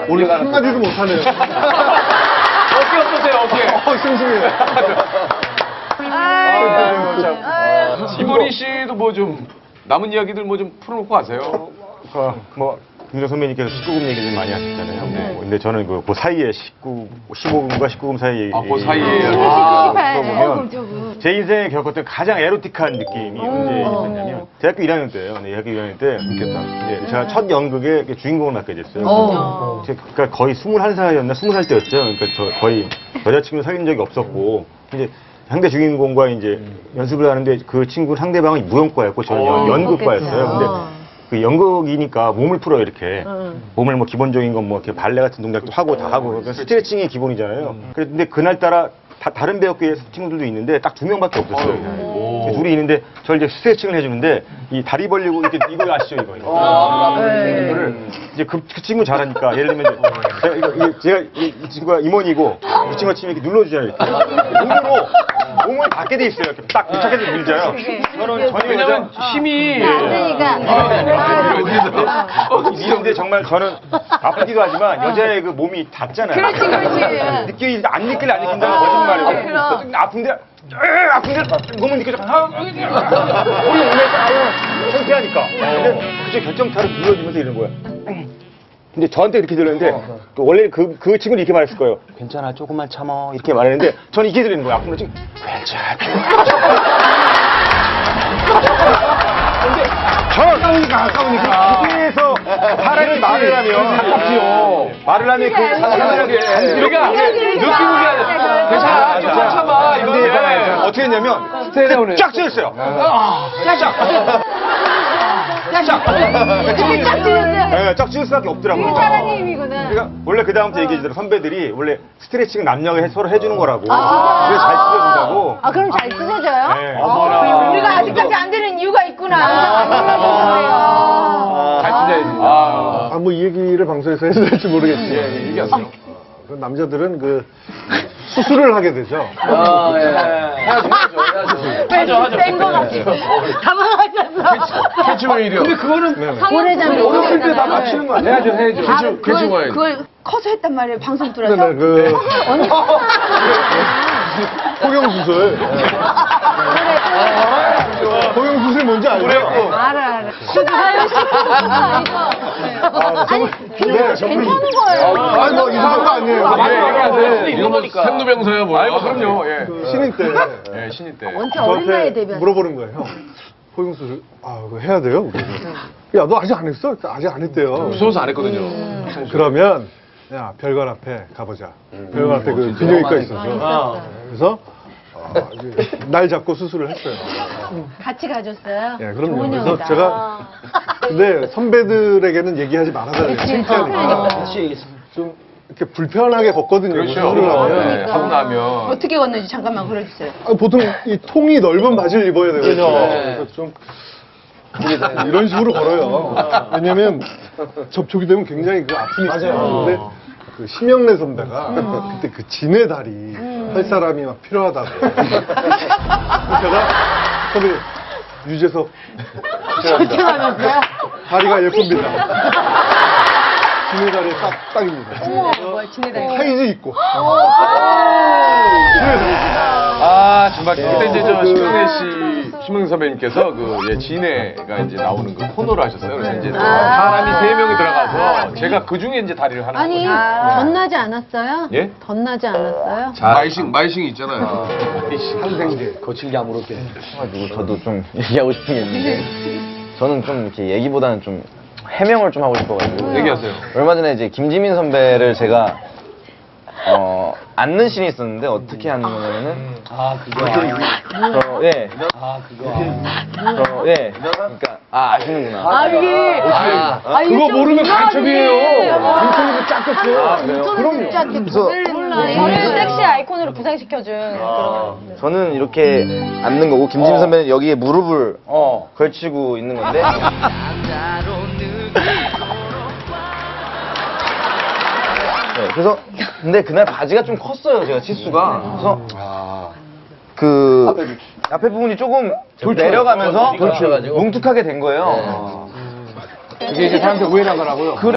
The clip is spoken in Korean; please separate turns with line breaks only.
오늘 한마디도 못하네요.
어깨 어떠세요, 어깨?
싱싱해요.
이모리 씨도 뭐 좀 남은 이야기들 뭐 좀 풀어놓고 가세요.
뭐 김정 선배님께서 19금 얘기 좀 많이 하셨잖아요. 뭐, 근데 저는 그 사이에 15금과 19금 사이
그 사이에.
보면 제 인생에 겪었던 가장 에로틱한 느낌이 언제 있었냐면 대학교 1학년 때예요. 네, 대학교 1학년 때 웃겼다. 네, 제가 첫 연극의 주인공을 맡게 됐어요. 제가 거의 21살이었나 20살 때였죠. 그러니까 저 거의 여자친구 사귄 적이 없었고 이제 상대 주인공과 이제 연습을 하는데 그 친구 상대방이 무용과였고 저는 연극과였어요. 근데 그 연극이니까 몸을 풀어요, 이렇게. 몸을 뭐 기본적인 건 뭐 이렇게 발레 같은 동작도 하고 다 하고 스트레칭이 기본이잖아요. 근데 그날따라 다른 배역의 친구들도 있는데 딱 2명밖에 없었어요. 둘이 있는데 저를 이제 스트레칭을 해주는데 이 다리 벌리고 이렇게 이거 아시죠, 이거. 이거를 이제 그 친구 잘하니까 예를 들면 제가 이 친구가 임원이고 이 친구가 치면 이렇게 눌러주잖아요. 이렇게. 몸으로 몸을 닿게 돼 있어요. 이렇게 딱 밀착해서 밀잖아요. 저는 전혀
왜냐면 힘이.
근데 정말 저는 아프기도 하지만 여자의 그 몸이 닿잖아요.
그렇지.
안 느낀다는 거짓말이에요. 아픈데 몸은 느껴져. 우리 몸에 창피하니까. 근데 그저 결정타를 눌러주면서 이러는 거야. 근데 저한테 이렇게 들렸는데 원래 그 친구는 이렇게 말했을 거예요. 괜찮아, 조금만 참어. 이렇게 말했는데 저는 이게 들리는 거예요. 아픈 거 지금 괜찮아. 근데 아까우니까 그래서 사람이 말을 하면 가깝지요. 말을 하면 그 사람들에게
그러니까 느끼는 게 아니라 괜찮아, 좀 참아.
근데 어떻게 했냐면 쫙 찢었어요. 쫙 찢을 수밖에 없더라고요.
사랑의 힘이구나.
그러니까 원래 그 다음부터 얘기해주더라고요. 선배들이 원래 스트레칭 남녀가 서로 해주는 거라고. 그래서 잘 찢어준다고.
그럼 잘 찢어져요?
네.
우리가 아직까지 안 되는 이유가 있구나.
잘 찢어야지.
뭐 이 얘기를 방송에서 해도 될지 모르겠지만.
얘기하세요.
그 남자들은 그 수술을 하게 되죠.
해야죠.
센거 같아. 당황하셨어.
해주면 이래요. 근데 그거는
고래장면
어렸을 때 다 맞추는 거 아니에요?
해야죠.
그걸 커서 했단 말이에요. 방송 들어서.
그 포경수술. 포경수술 뭔지 알죠?
알아. 아니, 괜찮은 거예요.
아니 뭐 이상한 거 아니에요.
이런 거니까. 생로병사야 뭐. 아이고 그럼요.
신인 때
예, 신인 때.
원체 어린 나이에 데뷔한.
물어보는 거예요. 형, 포경수술 그거 해야 돼요? 야, 너 아직 안 했어? 아직 안 했대요.
무서워서 안 했거든요.
그러면 야, 별관 앞에 가보자. 별관 앞에 그 비뇨기과 있어서. 그래서 날 잡고 수술을 했어요.
같이 가줬어요?
예, 그럼요.
좋은
그래서
형이다.
제가 근데 선배들에게는 얘기하지 말아달래요. 창피하니까. 좀 이렇게 불편하게 걷거든요.
그렇죠.
수술을 하면.
하고 나면.
어떻게 걷는지 잠깐만 그려주세요.
보통 이 통이 넓은 바지를 입어야 되거든요. 그래서 좀 이런 식으로 걸어요. 왜냐면 접촉이 되면 굉장히 그 아픔이 있어요. 근데 그 심영래 선배가 그때 그 진의 다리 할 사람이 막 필요하다고. 제가 선배 유재석
하면서요?
다리가 예쁩니다. 진의 다리 딱입니다.
뭐야, 지내다니.
사이즈 있고.
정말 그때 이제 저 심영래 선배님께서 그 진해가 이제 나오는 그 코너를 하셨어요. 그래서 이제 사람이 3명이 들어가서 제가 그 중에 이제 다리를 하는
아니,
거예요.
덧나지 않았어요?
예?
덧나지 않았어요?
마이싱 있잖아요.
항생제.
거칠게 아무렇게 해가지고 저도 좀 얘기하고 싶은 게 있는데 저는 좀 이렇게 얘기보다는 좀 해명을 좀 하고 싶어가지고
얘기하세요.
얼마 전에 이제 김지민 선배를 제가 앉는 씬이 있었는데 어떻게 앉는 거냐면은 그러니까 아시는구나.
그거 모르면
간첩이에요. 민철이도 짝졌어.
그럼요. 몰라. 저를 섹시 아이콘으로 부상시켜준 그런.
저는 이렇게 앉는 거고 김지민 선배는 여기에 무릎을 걸치고 있는 건데 네, 그래서 근데 그날 바지가 좀 컸어요. 제가 치수가. 그래서 그 앞에 부분이 조금 내려가면서 뭉툭하게 된 거예요.
그게 이제 사람들 오해를 하더라고요.